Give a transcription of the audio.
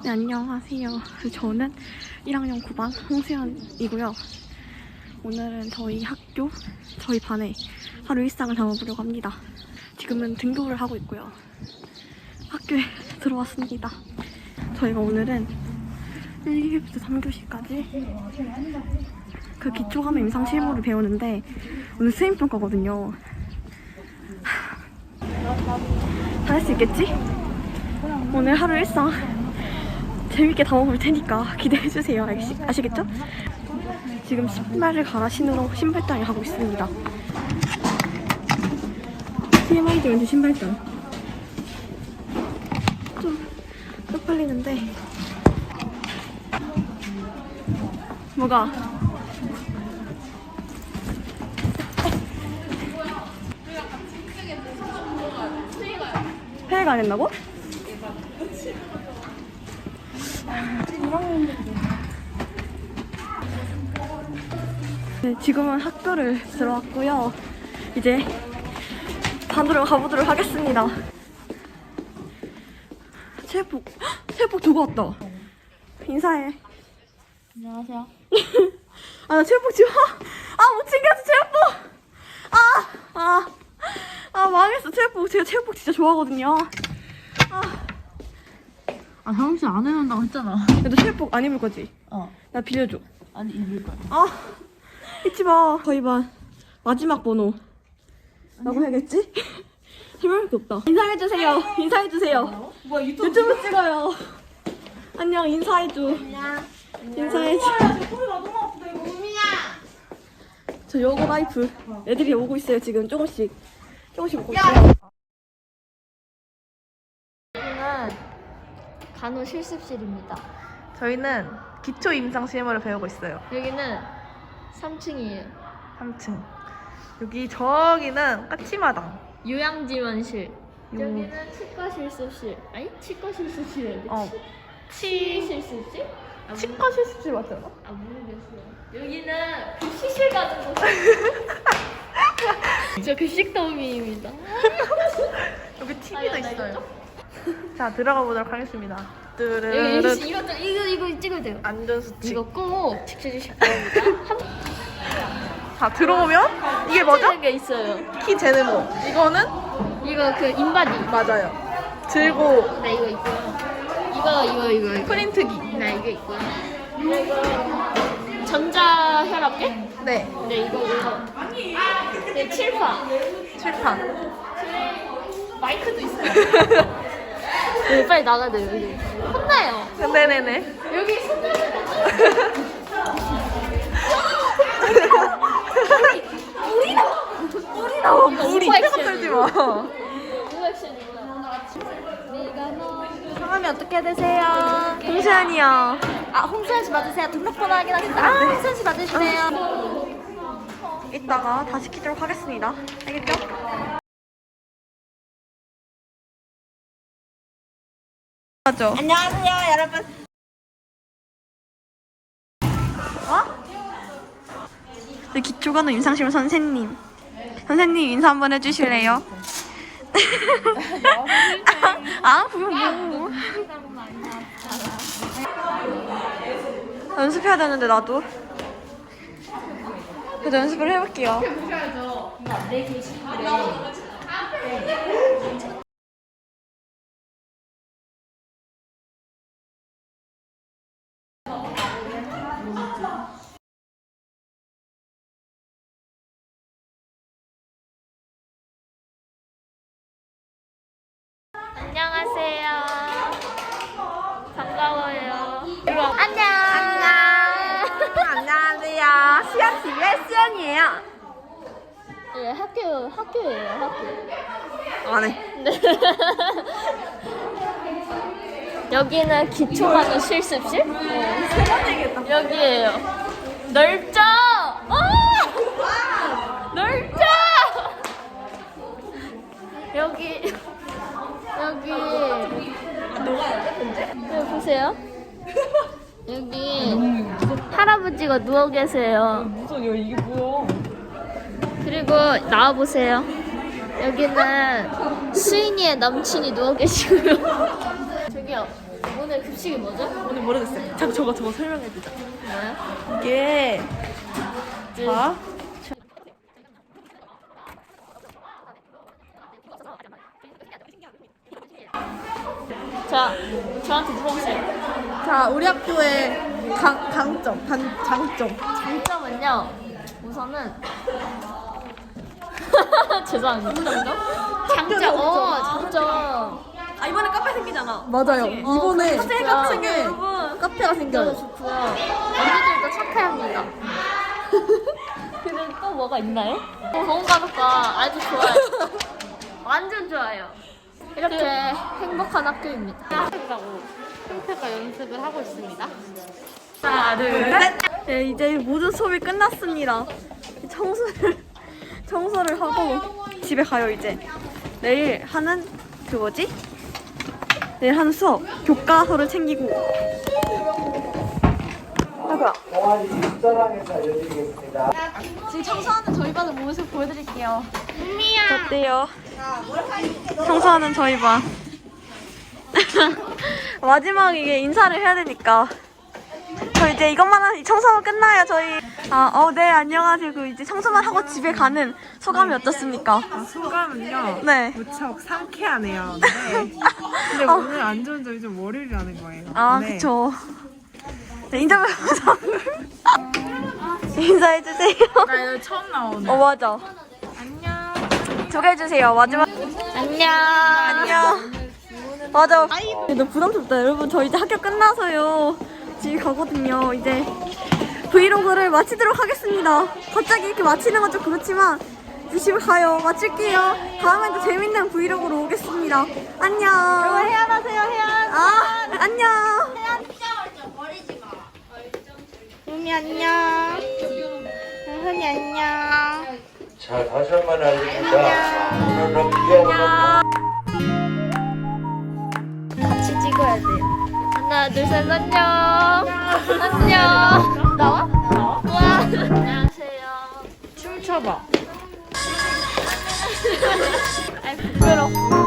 네, 안녕하세요. 저는 1학년 9반 홍수연이고요. 오늘은 저희 학교, 저희 반에 하루 일상을 담아보려고 합니다. 지금은 등교를 하고 있고요. 학교에 들어왔습니다. 저희가 오늘은 1교시부터 3교시까지 그 기초감의 임상 실무를 배우는데 오늘 수행평가거든요. 다 할 수 있겠지? 오늘 하루 일상 재밌게 담아볼 테니까 기대해주세요. 아시겠죠? 지금 신발을 갈아 신으러 신발장에 가고 있습니다. TMI도 왠지 신발장 좀 쪽팔리는데 뭐가? 회의가 안 했나고? 네, 지금은 학교를 들어왔고요. 이제 반으로 가보도록 하겠습니다. 체육복 두고 왔다. 인사해. 안녕하세요. 아, 나 체육복 지금 못 챙겼어 체육복. 망했어 체육복. 제가 체육복 진짜 좋아하거든요. 형씨 안 해놓는다고 했잖아. 너 체육복 안 입을 거지? 나 빌려줘. 아니 입을 거야. 잊지 마. 저희 반 마지막 번호 라고 해야겠지? 설명할 게 없다. 인사해주세요. 인사해주세요. 뭐야 유튜브 찍어요. 안녕. 인사해줘. 안녕. 인사해줘. 소리가 너무 아프다 이거. 저 요거 라이프 애들이 오고 있어요. 지금 조금씩 오고 있어요. 여기는 간호 실습실입니다. 저희는 기초 임상 실무를 배우고 있어요. 여기는 3층이에요. 3층. 여기 저기는 까치마당. 요양지원실. 여기는 치과 실습실. 아니 치과 실습실인데. 치 실습실? 치과 실습실 맞잖아. 모르겠어요. 여기는 급식실 가는 곳. 저 급식도우미입니다. 여기 TV도 있어요. 자, 들어가 보도록 하겠습니다. 이거 찍어도 돼요. 안전수칙. 이거 꼭 지켜주실 겁니다. 자, 들어오면 이게 뭐죠? 게 있어요. 키 재는 거. 이거는 이거 그 인바디. 맞아요. 들고 네, 이거 있고요. 이거. 프린트기. 네, 이거 있고요. 그리고 전자혈압계? 네. 네, 이거. 네, 칠판. 칠판. 마이크도 있어요. 네, 빨리 나가야 돼요, 여기. 혼나요. 네네네. 여기 손나요. 우리 이때가 떨지 마. 성함이 어떻게 되세요? 홍수연이요. 홍수연 씨 맞으세요? 등록번호 확인하겠습니다. 네. 홍수연 씨 맞으시네요. 이따가 다시 키도록 하겠습니다. 알겠죠? 맞죠? 안녕하세요, 여러분. 네, 기초과는 임상실무 선생님. 선생님 인사 한번 해주실래요? 그건 뭐. 연습해야 되는데 나도. 그래도 연습을 해볼게요. 안녕하세요. 반가워요. 안녕. 안녕하세요. 수연 집의 수연이에요. 네, 학교예요, 학교. 네. 네. 여기는 기초과정 실습실? 세 번 얘기했다. 여기에요. 넓죠? 넓죠? 여기. 너가 예쁜데? 여기 보세요. 여기 할아버지가 누워 계세요. 무슨 이게 뭐야? 그리고 나와 보세요. 여기는 수인이의 남친이 누워 계시고요. 저기요. 오늘 오늘 급식이 뭐죠? 오늘 모르겠어요. 잠깐 저거 설명해주자. 뭐야? 이게 자 자, 저한테 물어보세요. 자, 우리 학교의 장점. 장점은요. 우선은 죄송합니다. 장점. 장점. 아, 이번에 카페 생기잖아. 맞아요. 이번에 카페 좋아요. 생겨요, 여러분. 카페가 생겨요. 좋고요. 언니들도 착해합니다. 그리고 또 뭐가 있나요? 보건간호과 아주 좋아요. 완전 좋아요. 이렇게 행복한 학교입니다. 가 연습을 하고 있습니다. 하나, 둘, 셋. 네, 이제 모든 수업이 끝났습니다. 청소를 하고 집에 가요, 이제. 내일 하는 내일 하는 수업 교과서를 챙기고. 아이고야. 입사랑에서 알려드리겠습니다. 지금 청소하는 저희 반의 모습 보여드릴게요. 어때요? 청소하는 저희 반. 마지막 이게 인사를 해야 되니까. 저 이제 이것만 하면 청소하면 끝나요, 저희. 네, 안녕하세요. 이제 청소만 하고 집에 가는 소감이 어떻습니까? 소감은요. 네. 무척 상쾌하네요. 근데 오늘 안 좋은 점이 좀 월요일이라는 거예요. 네. 그쵸. 네, 인터뷰 인사해주세요. 나 여기 처음 나오네. 맞아. 안녕. 소개해주세요, 마지막. 안녕. 맞아. 너무 부담스럽다. 여러분, 저 이제 학교 끝나서요. 집에 가거든요. 이제 브이로그를 마치도록 하겠습니다. 갑자기 이렇게 마치는 건 좀 그렇지만 이제 집에 가요. 마칠게요. 다음엔 또 재밌는 브이로그로 오겠습니다. 안녕. 여러분, 해안하세요, 해안. 안녕. 은미 안녕. 은이 안녕. 자, 다시 한 번 알립니다. 오늘은 귀여운 같이 찍어야 돼요. 하나, 둘, 셋, 안녕. 안녕. 나와? 와. 안녕하세요. 춤춰봐. 아이, 부끄러워.